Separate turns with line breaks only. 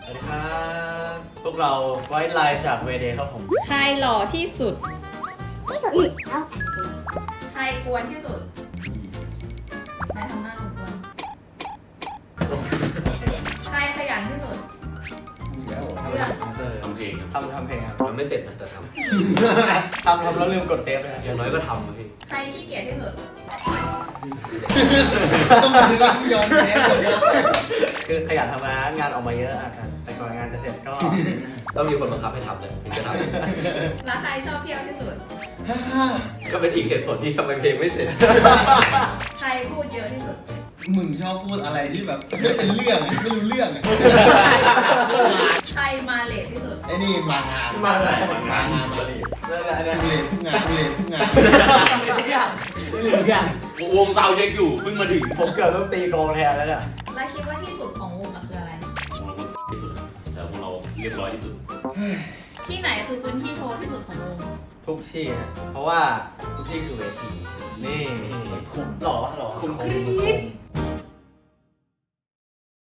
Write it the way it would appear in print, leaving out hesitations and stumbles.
วัสดีครับพวกเราไว้ไลน์จากเวเดย์ครับผม
ใครหล่อที่สุด
เอา
ใครกวนที่สุดใครทำหน้าเหมือนกวนใครขยันที่สุด
อีกแล้วเหรอ
เลือก
ทำเพลงครับ
ทำเพลงครับ
มันไม่เสร็จนะแต่ท
ทำแล้วลืมกดเซฟเลยครับ
ำอย่างน้อยก็ทำนะพี่
ใครขี้เกียจที่สุด
ต้องมาดูว่ายอมแพ้เลยนะ
คือขยันทำงานออกมาเยอะอะครับแต่ก่อนงานจะเสร็จก็
ต้องมีคนบังคับให้ทำเลยถึงจะท
แล้วใครชอบเที่ยวที่สุด
ำก็เป็นอีกเหตุผลที่ทำไมเพลงไม่เสร็จ
ใครพูดเยอะที่สุด
มึงชอบพูดอะไรที่แบบไม่เป็นเรื่องอะไม่รู้เรื่องอะ
ใครมาเลทที่สุด
ไอ้นี่มางาน
มาเลย
มางานมาเลย
นั่นแหละ
กูเลยทุกงานกูเลยทุกงาน
ทุกอย่างทุกอย่าง
วงเตายังอยู่เพิ่งมาถึง
ผมเกือบต้องตีกลองแทนแล้วเนี่ย
แล้วคิดว่าที่สุดของวงอะคืออะไร
ที่สุดแต่พวกเราเรียบร้อยที่สุด
ที่ไหนคือพื้นที่โชว์ที่สุดของวง
ทุกที่นะเพราะว่าทุกที่คือเวทีนี่คุ้มหล่อปะหล่อ
คุ้ม
คุ้ม